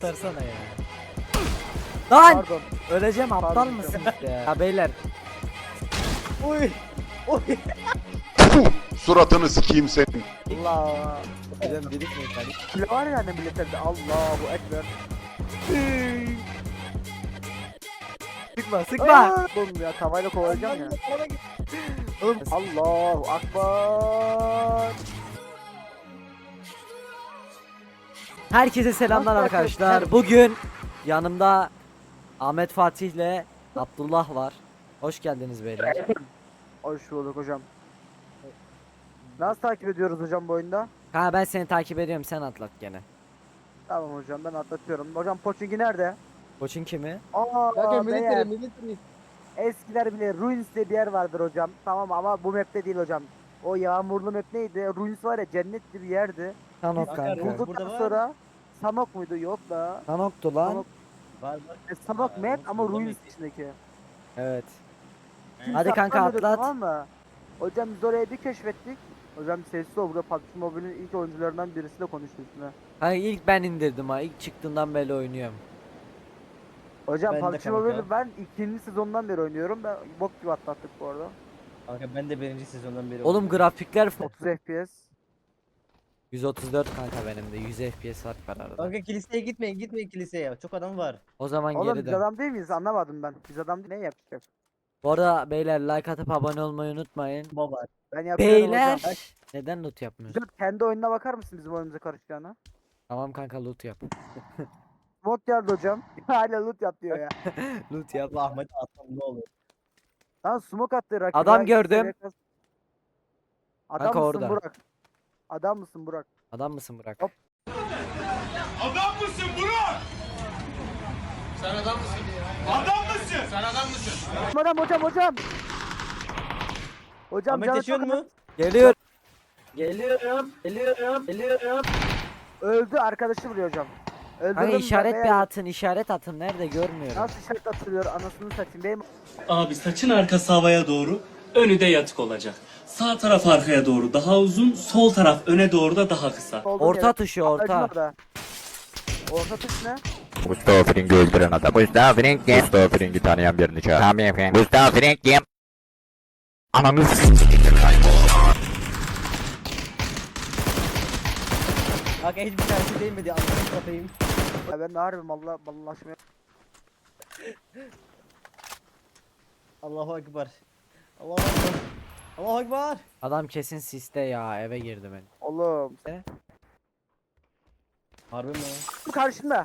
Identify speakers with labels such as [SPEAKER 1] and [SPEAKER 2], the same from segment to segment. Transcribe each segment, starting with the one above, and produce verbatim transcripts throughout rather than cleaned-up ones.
[SPEAKER 1] Sarsana ya. Lan!
[SPEAKER 2] Pardon.
[SPEAKER 1] Öleceğim, aptal
[SPEAKER 2] Pardon.
[SPEAKER 1] mısınız ya? Ya beyler.
[SPEAKER 2] Uy. Uy.
[SPEAKER 3] Suratını sikeyim senin.
[SPEAKER 2] Allah.
[SPEAKER 1] Hocam dedik mi kardeşim?
[SPEAKER 2] Bile var ya annem milleterde. Allahu ekber.
[SPEAKER 1] Sıkma sıkma.
[SPEAKER 2] Aa! Oğlum ya tavayla kovalayacağım ya.
[SPEAKER 1] Oğlum,
[SPEAKER 2] Allahu akbar.
[SPEAKER 1] herkese selamlar
[SPEAKER 2] Nasıl
[SPEAKER 1] arkadaşlar.
[SPEAKER 2] arkadaşlar?
[SPEAKER 1] Bugün yanımda Ahmet Fatih ile Abdullah var. Hoş geldiniz beyler.
[SPEAKER 2] Hoş bulduk hocam. Nasıl takip ediyoruz hocam bu oyunda?
[SPEAKER 1] Ha ben seni takip ediyorum, sen atlat gene.
[SPEAKER 2] Tamam hocam ben atlatıyorum. Hocam Pochinki nerede?
[SPEAKER 1] Koçun kimi?
[SPEAKER 2] Aa,
[SPEAKER 4] Kanka
[SPEAKER 2] beyler,
[SPEAKER 4] military military.
[SPEAKER 2] eskiler bile Ruins diye bir yer vardır hocam. Tamam ama bu map'te değil hocam. O yağmurlu map neydi? Ruins var ya, cennet gibi bir yerdi.
[SPEAKER 1] Sanok
[SPEAKER 4] Kanka,
[SPEAKER 1] kanka.
[SPEAKER 4] Burada
[SPEAKER 2] Bulduktan
[SPEAKER 4] var.
[SPEAKER 2] sonra Sanok muydu? Yok da.
[SPEAKER 1] Sanok'tu lan.
[SPEAKER 2] Sanok,
[SPEAKER 4] Var var.
[SPEAKER 2] e, Sanok
[SPEAKER 4] Aa,
[SPEAKER 2] map
[SPEAKER 4] Ruins
[SPEAKER 2] ama
[SPEAKER 4] burada
[SPEAKER 2] Ruins
[SPEAKER 4] mıydı?
[SPEAKER 2] içindeki.
[SPEAKER 1] Evet.
[SPEAKER 2] Kimse
[SPEAKER 1] Hadi kanka
[SPEAKER 2] atlamıyordu,
[SPEAKER 1] atlat.
[SPEAKER 2] Tamam mı? Hocam biz orayı bir keşfettik. Hocam sessiz ol, burada P U B G Mobile'in ilk oyuncularından birisiyle konuştu üstüne.
[SPEAKER 1] Hani ilk ben indirdim ha. İlk çıktığından beri oynuyorum.
[SPEAKER 2] Hocam
[SPEAKER 4] Ben de
[SPEAKER 2] P U B G
[SPEAKER 4] kanka.
[SPEAKER 2] Mobile'i ben ikinci sezondan beri oynuyorum. Ben bok gibi atlattık bu arada.
[SPEAKER 4] Kanka ben de birinci sezondan beri
[SPEAKER 1] Oğlum
[SPEAKER 4] oynuyorum.
[SPEAKER 1] grafikler
[SPEAKER 2] otuz F P S.
[SPEAKER 1] yüz otuz dört kanka, benim de yüz F P S fark var arada.
[SPEAKER 4] Kanka kiliseye gitmeyin gitmeyin kiliseye. Çok adam var.
[SPEAKER 1] O zaman
[SPEAKER 2] Oğlum
[SPEAKER 1] geri
[SPEAKER 2] biz
[SPEAKER 1] dön.
[SPEAKER 2] adam değil miyiz? Anlamadım ben. Biz adam değil, ne yapacağız?
[SPEAKER 1] Bu arada beyler like atıp abone olmayı unutmayın.
[SPEAKER 4] Baba.
[SPEAKER 2] Ben yapıyorum
[SPEAKER 1] Beyler
[SPEAKER 2] hocam.
[SPEAKER 1] neden loot yapmıyorsun?
[SPEAKER 2] Hocam kendi oyununa bakar mısın bizim oyunumuza karışacağına?
[SPEAKER 1] Tamam kanka, loot yap.
[SPEAKER 2] Smoke geldi hocam. Hala loot yap diyor ya.
[SPEAKER 1] Loot yap.
[SPEAKER 4] Allah Ahmet atam ne olur.
[SPEAKER 2] Lan smoke attı rakibe.
[SPEAKER 1] Adam
[SPEAKER 2] İki
[SPEAKER 1] gördüm.
[SPEAKER 2] seviye kas- Adam
[SPEAKER 1] Kanka
[SPEAKER 2] mısın
[SPEAKER 1] orada.
[SPEAKER 2] Burak? Adam mısın Burak?
[SPEAKER 1] Adam mısın Burak?
[SPEAKER 2] Hop.
[SPEAKER 5] Adam mısın Burak? Sen adam mısın? Adam mısın? Sen adam mısın?
[SPEAKER 2] Adam hocam hocam. Hocam
[SPEAKER 4] Ahmet
[SPEAKER 2] canı
[SPEAKER 4] yaşıyor
[SPEAKER 2] çok
[SPEAKER 4] mu?
[SPEAKER 1] Geliyor.
[SPEAKER 4] Geliyorum. Geliyorum. Geliyorum.
[SPEAKER 2] öldü, arkadaşı vuruyor hocam. Öldürdüm
[SPEAKER 1] Hani
[SPEAKER 2] ben
[SPEAKER 1] işaret
[SPEAKER 2] beyler.
[SPEAKER 1] bir atın, işaret atın, nerede görmüyorum.
[SPEAKER 2] Nasıl işaret atılıyor anasını satayım benim.
[SPEAKER 6] Abi saçın arkası havaya doğru, önü de yatık olacak. Sağ taraf arkaya doğru daha uzun, sol taraf öne doğru da daha kısa.
[SPEAKER 2] Olduğum
[SPEAKER 1] Orta
[SPEAKER 2] yere-
[SPEAKER 1] tuşu,
[SPEAKER 2] Ablacım
[SPEAKER 1] orta.
[SPEAKER 2] orada. Orta tuş ne?
[SPEAKER 7] Mustafa Frink'i öldüren adam. Mustafa Frink kim? Mustafa Frink'i tanıyan birini çağır. Tamam efendim. Mustafa Frink kim? Ananı s***.
[SPEAKER 4] Kanka hiçbir tanesi değmedi. Allah'ını satayım.
[SPEAKER 2] Ya ben de harbim Allah ballaşmaya.
[SPEAKER 4] Allahu Ekber. Allahu Ekber. Allahu Ekber.
[SPEAKER 1] Adam kesin siste ya, eve girdi ben.
[SPEAKER 2] Oğlum.
[SPEAKER 4] Harbi mi?
[SPEAKER 2] Bu karşında.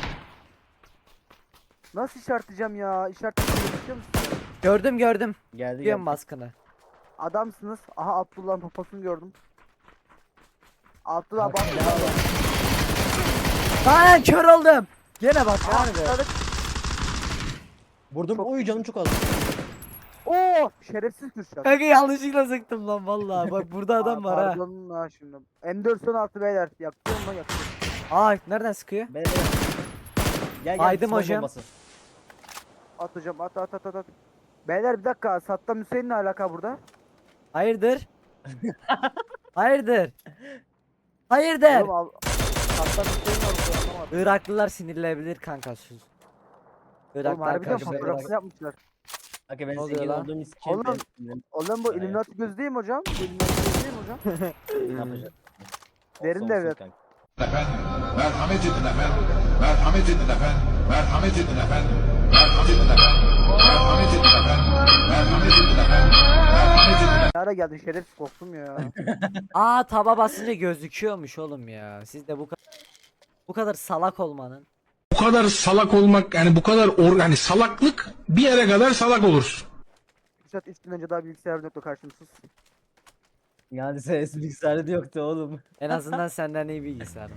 [SPEAKER 2] Nasıl işaretleyeceğim ya? İşaretleyeceğim biliyor musun?
[SPEAKER 1] Gördüm gördüm.
[SPEAKER 4] Geldi
[SPEAKER 1] Diyorum
[SPEAKER 4] geldi.
[SPEAKER 1] baskını.
[SPEAKER 2] Adamsınız. Aha Abdullah'ın poposunu gördüm. Abdullah bak.
[SPEAKER 4] Kanka, helal olsun.
[SPEAKER 1] Lan kör oldum. Gene bak
[SPEAKER 2] Aha,
[SPEAKER 1] harbi.
[SPEAKER 2] atladık.
[SPEAKER 4] Vurdum. Oy canım çok az.
[SPEAKER 2] Oo, şerefsiz Kürşat.
[SPEAKER 1] Kanka yanlışlıkla sıktım lan vallahi. Bak burada adam var ha.
[SPEAKER 2] Pardon ha şimdi. M dört on altı beyler. Yakıyor mu yakıyor.
[SPEAKER 1] Aa nereden sıkıyor?
[SPEAKER 4] Ben de. Gel gel.
[SPEAKER 1] Aydım
[SPEAKER 4] smoke
[SPEAKER 1] hocam.
[SPEAKER 4] bombası.
[SPEAKER 2] At hocam at at at at. at. Beyler bir dakika. Saddam Hüseyin'le alaka burada.
[SPEAKER 1] Hayırdır? Hayırdır? Hayırdır?
[SPEAKER 2] Oğlum, al- Saddam Hüseyin var burada, anlamadım.
[SPEAKER 1] Iraklılar sinirlenebilir kanka, sus.
[SPEAKER 2] Oğlum
[SPEAKER 1] Irak'ta
[SPEAKER 2] harbiden
[SPEAKER 1] arkadaşlar.
[SPEAKER 4] bak-
[SPEAKER 2] fotoğrafını yapmışlar.
[SPEAKER 4] Kanka ben
[SPEAKER 1] Ne oluyor
[SPEAKER 4] zengin
[SPEAKER 1] lan?
[SPEAKER 4] olduğum için.
[SPEAKER 2] Oğlum.
[SPEAKER 4] ben-
[SPEAKER 2] Oğlum bu
[SPEAKER 4] Aynen.
[SPEAKER 2] Illuminati göz değil mi hocam? Bu Illuminati göz değil mi hocam?
[SPEAKER 4] Ne yapacağız?
[SPEAKER 2] Derin
[SPEAKER 4] Olsun,
[SPEAKER 2] devlet.
[SPEAKER 4] olsun kanka.
[SPEAKER 5] Efendim, merhamet edin efendim. Merhamet edin efendim. Merhamet edin efendim. Merhamet edin efendim. Merhamet edin efendim. Merhamet edin efendim. Merhamet edin efendim.
[SPEAKER 2] Ne ara geldin şerefsiz, korktum ya.
[SPEAKER 1] Aa taba basınca gözüküyormuş oğlum ya. Siz de bu kadar bu kadar salak olmanın.
[SPEAKER 8] Bu kadar salak olmak, yani bu kadar or, yani salaklık bir yere kadar salak olursun.
[SPEAKER 2] Kürşat üç gün önce daha bilgisayar yoktu karşımsız.
[SPEAKER 4] Yani ses bilgisayarı da yoktu oğlum.
[SPEAKER 1] En azından senden iyi bilgisayarım.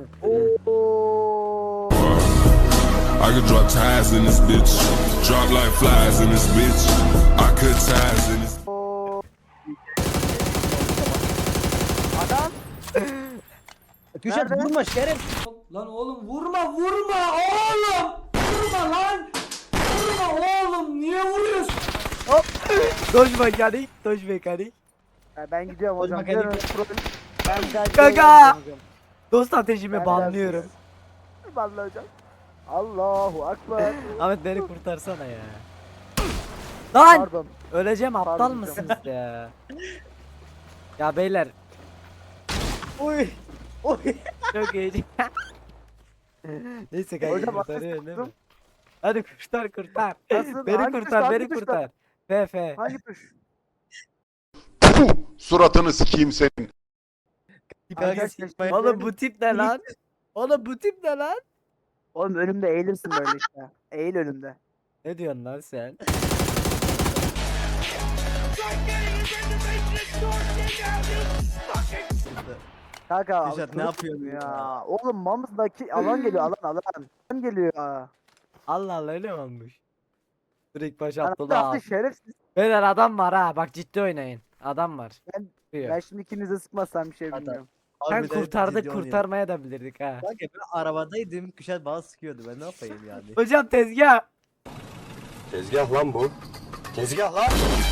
[SPEAKER 2] Oo.
[SPEAKER 9] I could drop ties in this bitch. Drop like flies in this bitch. I could ties in this.
[SPEAKER 2] Oo. Adam.
[SPEAKER 4] Kürşat
[SPEAKER 2] Nerede?
[SPEAKER 4] vurma şeref.
[SPEAKER 1] Lan oğlum vurma vurma oğlum. Vurma lan. Vurma oğlum, niye vuruyorsun? Hop. Doj mekanik, doj mekanik.
[SPEAKER 2] Ya ben gidiyorum hocam.
[SPEAKER 4] Bakayım.
[SPEAKER 2] Gidiyorum, problem- Ben bir daha
[SPEAKER 1] Kanka!
[SPEAKER 2] gidiyorum hocam.
[SPEAKER 1] Dost ateşimi
[SPEAKER 2] Ben
[SPEAKER 1] banlıyorum.
[SPEAKER 2] biraz- Vallahi hocam. Allahu akbar.
[SPEAKER 1] Ahmet beni kurtarsana ya. Lan!
[SPEAKER 2] Pardon.
[SPEAKER 1] Öleceğim, aptal
[SPEAKER 2] Pardon hocam.
[SPEAKER 1] mısınız ya? Ya beyler
[SPEAKER 4] Oy. Oy.
[SPEAKER 1] çok iyi. Neyse kanka
[SPEAKER 2] Hocam,
[SPEAKER 1] kurtarıyor
[SPEAKER 2] asist
[SPEAKER 1] değil mi?
[SPEAKER 2] tuttum.
[SPEAKER 1] Hadi kurtar kurtar.
[SPEAKER 2] Nasıl?
[SPEAKER 1] Beni
[SPEAKER 2] Hangi
[SPEAKER 1] kurtar,
[SPEAKER 2] tuş,
[SPEAKER 1] beni
[SPEAKER 2] hangi tuşta?
[SPEAKER 1] kurtar. F F.
[SPEAKER 2] Hangi tuş?
[SPEAKER 3] Puh, suratını sikeyim senin.
[SPEAKER 2] Arkadaşlar,
[SPEAKER 1] Oğlum bu tip ne lan? Oğlum bu tip ne lan?
[SPEAKER 2] Oğlum önümde eğilirsin böyle işte. Eğil önümde.
[SPEAKER 1] Ne diyorsun lan sen?
[SPEAKER 2] Kanka
[SPEAKER 4] Kürşat, ne yapıyorsun
[SPEAKER 2] ya? Oğlum Mamız'daki alan geliyor alan alan. Alan geliyor ya.
[SPEAKER 1] Allah Allah öyle mi olmuş? Direkt baş
[SPEAKER 2] Lan
[SPEAKER 1] Abdullah
[SPEAKER 2] attı
[SPEAKER 1] abi.
[SPEAKER 2] şerefsiz.
[SPEAKER 1] Beyler adam var ha, bak ciddi oynayın. Adam var.
[SPEAKER 2] Ben-
[SPEAKER 1] Diyor.
[SPEAKER 2] Ben şimdi ikinize sıkmazsam bir şey
[SPEAKER 4] Hadi.
[SPEAKER 2] bilmiyorum.
[SPEAKER 1] Sen
[SPEAKER 4] Harbiden
[SPEAKER 1] kurtardık,
[SPEAKER 4] ciddi oynayalım.
[SPEAKER 1] kurtarmaya da bilirdik ha.
[SPEAKER 4] Kanka ben arabadaydım. Kuşat bana sıkıyordu. Ben ne yapayım yani?
[SPEAKER 1] Hocam tezgah.
[SPEAKER 3] Tezgah lan bu. Tezgah lan.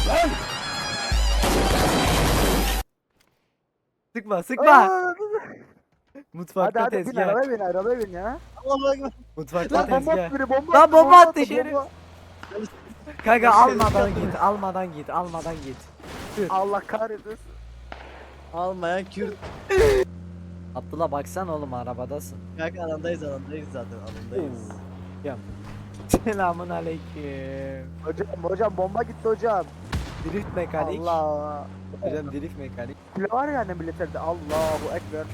[SPEAKER 1] Sıkma sıkma.
[SPEAKER 2] Aa,
[SPEAKER 1] Mutfakta
[SPEAKER 2] hadi hadi bin
[SPEAKER 1] tezgah.
[SPEAKER 2] arabaya bin arabaya bin ya.
[SPEAKER 4] Allah'a ekber.
[SPEAKER 1] Mutfakta
[SPEAKER 2] Lan bomba
[SPEAKER 1] tezgah.
[SPEAKER 2] attı biri bomba
[SPEAKER 1] Lan
[SPEAKER 2] attı,
[SPEAKER 1] bomba attı
[SPEAKER 2] attı,
[SPEAKER 1] şerif.
[SPEAKER 2] bomba.
[SPEAKER 1] Kanka almadan git, almadan git, almadan git.
[SPEAKER 2] Allah kahretsin.
[SPEAKER 4] Almayan Kürt.
[SPEAKER 1] Abdullah baksan oğlum arabadasın.
[SPEAKER 4] Kanka alandayız alandayız zaten alandayız.
[SPEAKER 1] Hocam. Selamun aleyküm.
[SPEAKER 2] Hocam hocam bomba gitti hocam.
[SPEAKER 1] Drift mekanik.
[SPEAKER 2] Allah.
[SPEAKER 1] Hocam drift mekanik.
[SPEAKER 2] Kilo var ya annem militerde. Allahu ekber.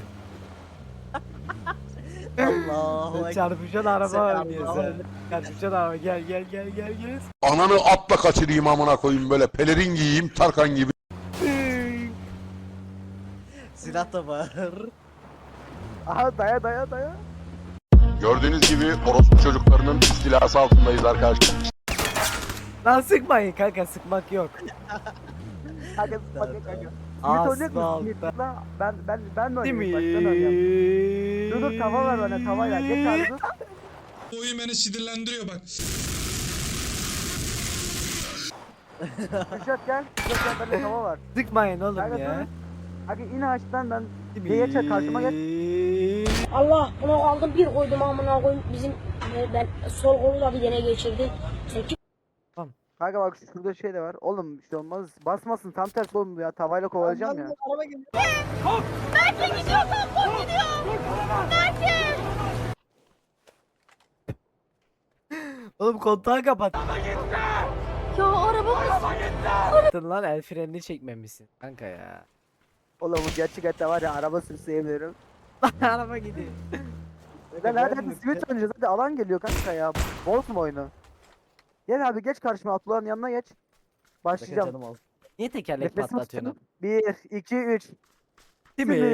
[SPEAKER 4] Allahu ekber.
[SPEAKER 1] Çarpışan araba
[SPEAKER 4] Selam,
[SPEAKER 1] oynuyor
[SPEAKER 4] Allah'ım.
[SPEAKER 1] sen. Çarpışan araba gel gel gel gel gel.
[SPEAKER 3] Ananı atla kaçırayım amına koyayım böyle pelerin giyeyim Tarkan gibi.
[SPEAKER 4] Silah da var.
[SPEAKER 2] Aha daya daya daya.
[SPEAKER 3] Gördüğünüz gibi orospu çocuklarının istilası altındayız arkadaşlar.
[SPEAKER 1] Lan sıkmayın kanka, sıkmak yok.
[SPEAKER 2] Kanka bak kanka.
[SPEAKER 1] Asfaltta.
[SPEAKER 2] Simit oynayacak mısın? Lan ben ben ben de
[SPEAKER 1] Değil
[SPEAKER 2] oynayayım
[SPEAKER 1] mi?
[SPEAKER 2] bak ben oynayayım. Dur dur tava ver bana tava ver. Geç abi dur.
[SPEAKER 8] Bu oyun beni sinirlendiriyor bak.
[SPEAKER 2] Kürşat gel. Kürşat gel bende tava var.
[SPEAKER 1] Sıkmayın oğlum
[SPEAKER 2] Kanka
[SPEAKER 1] ya.
[SPEAKER 2] dur. Kanka in ağaçtan ben geç karşıma geç.
[SPEAKER 10] Allah bunu aldım bir koydum amına koyayım bizim e, ben sol kolu da bir dene geçirdi. Sen kim?
[SPEAKER 2] Kanka bak şurada şey de var. Oğlum bir şey olmaz. Basmasın tam tersi oğlum ya. Tavayla kovalayacağım ya.
[SPEAKER 4] Araba geliyor.
[SPEAKER 1] Oğlum kontağı kapat.
[SPEAKER 10] Ya araba
[SPEAKER 1] Kapattın lan, el frenini çekmemişsin kanka ya.
[SPEAKER 2] Oğlum bu gerçek hayatta var ya araba sürseyebilirim.
[SPEAKER 1] Araba gidiyor.
[SPEAKER 2] Lan hadi hadi simit oynayacağız hadi alan geliyor kanka ya. Bozma oyunu. Gel abi geç karşıma Abdullah'ın yanına geç. Başlayacağım.
[SPEAKER 4] Canım al.
[SPEAKER 1] Niye tekerlek
[SPEAKER 2] Nefesimi
[SPEAKER 1] patlatıyorsun?
[SPEAKER 2] tutun. bir, iki, üç.
[SPEAKER 1] Değil mi?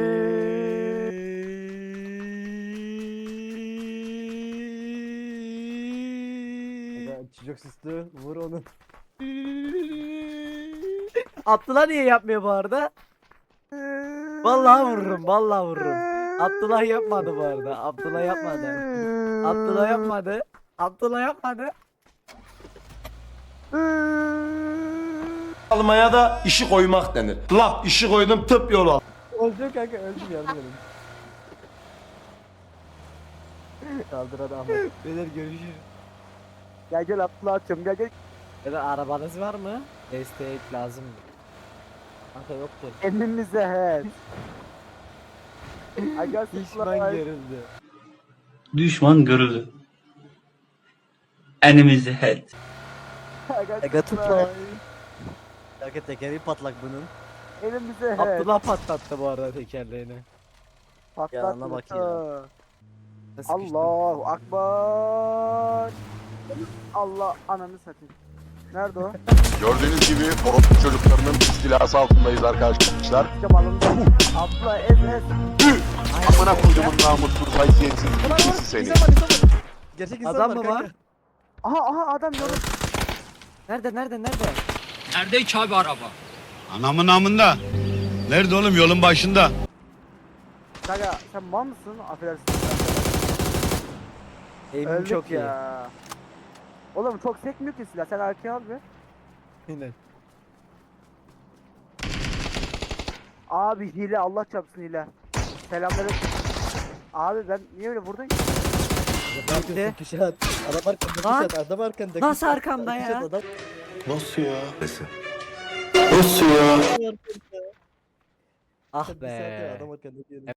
[SPEAKER 4] Kanka, çocuk süslü. Vur onu.
[SPEAKER 1] Abdullah niye yapmıyor bu arada? Vallahi vururum, vallahi vururum. Abdullah yapmadı bu arada. Abdullah yapmadı. Abdullah yapmadı. Abdullah yapmadı.
[SPEAKER 11] Almaya da işi koymak denir. Laf işi koydum tıp yolu.
[SPEAKER 4] Öldüm kanka öldüm yardım edin. Kaldır hadi Ahmet.
[SPEAKER 1] Beyler görüşürüz.
[SPEAKER 2] Gel gel Abdullah atıyorum gel gel.
[SPEAKER 1] Ya da arabanız var mı? Destek lazım. Kanka yoktur.
[SPEAKER 2] Elimize he. Aga
[SPEAKER 1] Pişman görüldü.
[SPEAKER 6] Düşman görüldü. Enemies ahead.
[SPEAKER 4] Aga tutma. Kanka tekeri patlak bunun.
[SPEAKER 2] Elimize he.
[SPEAKER 1] Abdullah patlattı bu arada tekerleğini.
[SPEAKER 4] Yanına bak ya.
[SPEAKER 1] Nasıl sıkıştı?
[SPEAKER 2] Allahu akbar. Allah ananı satayım. Nerede o?
[SPEAKER 3] Gördüğünüz gibi orospu çocuklarının istilası altındayız arkadaşlar.
[SPEAKER 2] Cam alındı. Abla ez ez.
[SPEAKER 3] Amına koyduğumun namussuz haysiyetsiz ikisi seni.
[SPEAKER 4] İnsan var insan var. Gerçek insan
[SPEAKER 1] Adam
[SPEAKER 4] var
[SPEAKER 1] mı
[SPEAKER 4] kanka.
[SPEAKER 1] var?
[SPEAKER 2] Aha aha adam yorum.
[SPEAKER 1] Nerede nerede nerede?
[SPEAKER 11] Anamın namında. Nerede oğlum yolun başında?
[SPEAKER 2] Kanka sen mal mısın? Affedersin.
[SPEAKER 1] Eğimim
[SPEAKER 2] Öldük
[SPEAKER 1] çok iyi.
[SPEAKER 2] ya. Oğlum çok sekmiyor ki silah. Sen arkaya al bir.
[SPEAKER 1] Aynen.
[SPEAKER 2] Abi hile Allah çarpsın hile. Selamları. Abi ben niye öyle vurdun ki?
[SPEAKER 1] gitti.
[SPEAKER 4] Kuşat. Adam arkanda
[SPEAKER 1] Lan.
[SPEAKER 4] kuşat. Adam arkanda.
[SPEAKER 1] Nasıl arkamda ya?
[SPEAKER 4] Kuşat, adam
[SPEAKER 11] Nasıl ya? Nasıl ya?
[SPEAKER 4] arkanda.
[SPEAKER 1] Ah
[SPEAKER 4] Bir saattir
[SPEAKER 1] be.
[SPEAKER 4] adam arkanda diyorum.